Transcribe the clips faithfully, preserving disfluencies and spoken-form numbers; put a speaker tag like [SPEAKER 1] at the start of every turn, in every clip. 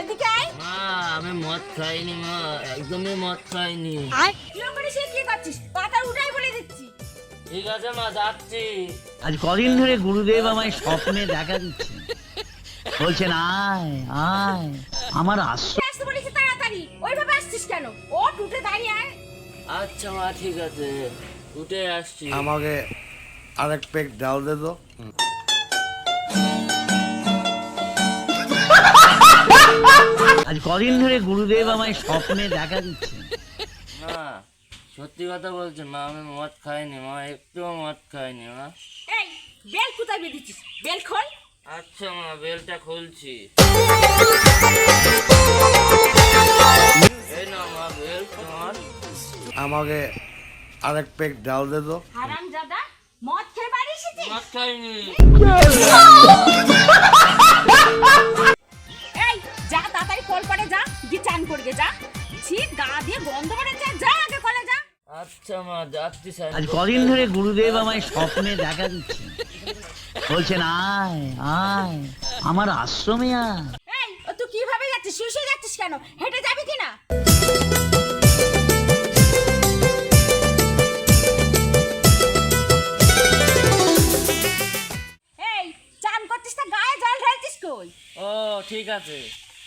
[SPEAKER 1] এদিকে আয়।
[SPEAKER 2] মা আমি মদ খাইনি মা, একদমই মদ খাইনি।
[SPEAKER 1] কিরম করে সে কি করছিস? কথা উঠাই বলে দিচ্ছি।
[SPEAKER 2] ঠিক আছে মা, যাচ্ছি।
[SPEAKER 3] আজ কদিন ধরে গুরুদেব আমায় স্বপ্নে দেখা দিচ্ছে, বলছেন আয় আয় আমার আশ্রয়।
[SPEAKER 1] আসতে বলেছি তাড়াতাড়ি, ওইভাবে আসছিস কেন? ও টুটে দাঁড়িয়ে আয়।
[SPEAKER 2] আচ্ছা মা ঠিক আছে, উঠে আসছি।
[SPEAKER 4] আমাকে আরেক পেক ডাল দে তো।
[SPEAKER 3] আজ কদিন ধরে গুরুদেব আমায় স্বপ্নে দেখা দিচ্ছে।
[SPEAKER 2] মা সত্যি কথা বলছি মা, আমি মদ খাইনি মা, একটুও মদ খাইনি মা।
[SPEAKER 1] এই বেল কোথায় বেঁধেছিস? বেল খোল।
[SPEAKER 2] আচ্ছা মা, বেলটা খুলছি। এই না মা বেল তোমার।
[SPEAKER 4] আমাকে আরেক পেক ডাল দে তো।
[SPEAKER 1] হারামজাদা, মদ খেয়ে বাড়ি এসেছিস?
[SPEAKER 2] মদ খাইনি।
[SPEAKER 1] এই যা তাড়াতাড়ি কল করে যা, গিয়ে চান করবে যা। ছি গা দিয়ে গন্ধ বেরোচ্ছে, যা আগে কলে যা।
[SPEAKER 2] আচ্ছা মা যাচ্ছি স্যার।
[SPEAKER 3] আজ কদিন ধরে গুরুদেব আমায় স্বপ্নে দেখা দিচ্ছে, বলছেন আয় আয় আমার আশ্রমে আয়।
[SPEAKER 1] এই ও তুই কিভাবে যাচ্ছিস? শুয়ে শুয়ে যাচ্ছিস কেন? হেঁটে যাবি কিনা? এই চান করছিস না, গায়ে জল ঢালছিস কই?
[SPEAKER 2] ও ঠিক আছে।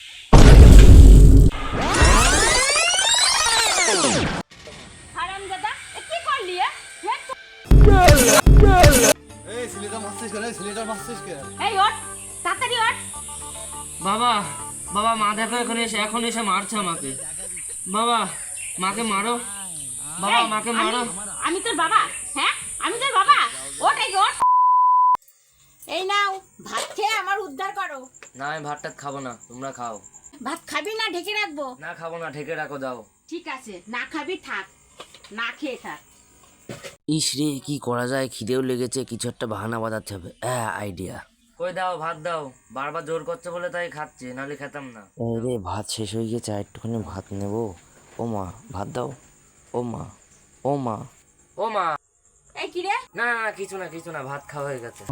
[SPEAKER 1] হারামজাদা, এ কি করলি এ? হ্যাঁ, তো-
[SPEAKER 5] এই ছেলেটা মারছিস কেন? এই ছেলেটা মারছিস কেন?
[SPEAKER 1] এই ওঠ, তাড়াতাড়ি ওঠ।
[SPEAKER 2] বাবা বাবা মা দেখো এখন এসে এখন এসে মারছে আমাকে। বাবা মাকে মারো, বাবা
[SPEAKER 1] এই,
[SPEAKER 2] মাকে
[SPEAKER 1] আমি-
[SPEAKER 2] মারো।
[SPEAKER 1] আমি তোর বাবা? হ্যাঁ আমি তোর বাবা? ওঠ এই ওঠ। এই নাও ভাত খেয়ে আমার উদ্ধার করো।
[SPEAKER 2] না আমি ভাতটা খাবো না, তোমরা খাও।
[SPEAKER 1] ভাত খাবি না ঢেকে রাখবো?
[SPEAKER 2] না খাবো না, ঢেকে রাখো দাও।
[SPEAKER 1] ঠিক আছে, না খাবি থাক, না খেয়ে থাক।
[SPEAKER 2] ইস রে কি করা যায়, খিদেও লেগেছে, কিছু একটা বাহানা বাঁধাতে হবে। হ্যাঁ আইডিয়া। কই দাও ভাত দাও, বারবার জোর করছে বলে তাই খাচ্ছি, নাহলে খেতাম না। রে ভাত শেষ হয়ে গেছে, আর একটুখানি ভাত নেবো। ও মা ভাত দাও, ও মা ও মা ও মা।
[SPEAKER 1] এই কি রে?
[SPEAKER 2] না না না, কিছু না কিছু না, ভাত খাওয়া হয়ে গেছে।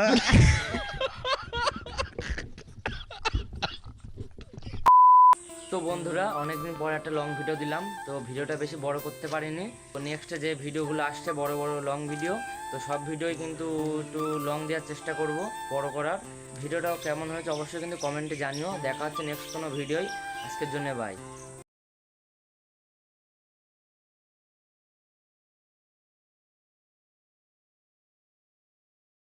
[SPEAKER 2] তো বন্ধুরা অনেকদিন পর একটা লং ভিডিও দিলাম, তো ভিডিওটা বেশি বড় করতে পারিনি। তো নেক্সট যে ভিডিওগুলো আসছে বড় বড় লং ভিডিও, তো সব ভিডিওই কিন্তু একটু লং দেওয়ার চেষ্টা করব, বড় করার। ভিডিওটাও কেমন হয়েছে অবশ্যই কিন্তু কমেন্টে জানিও। দেখা হচ্ছে নেক্সট কোনো ভিডিওই। আজকের জন্য বাই।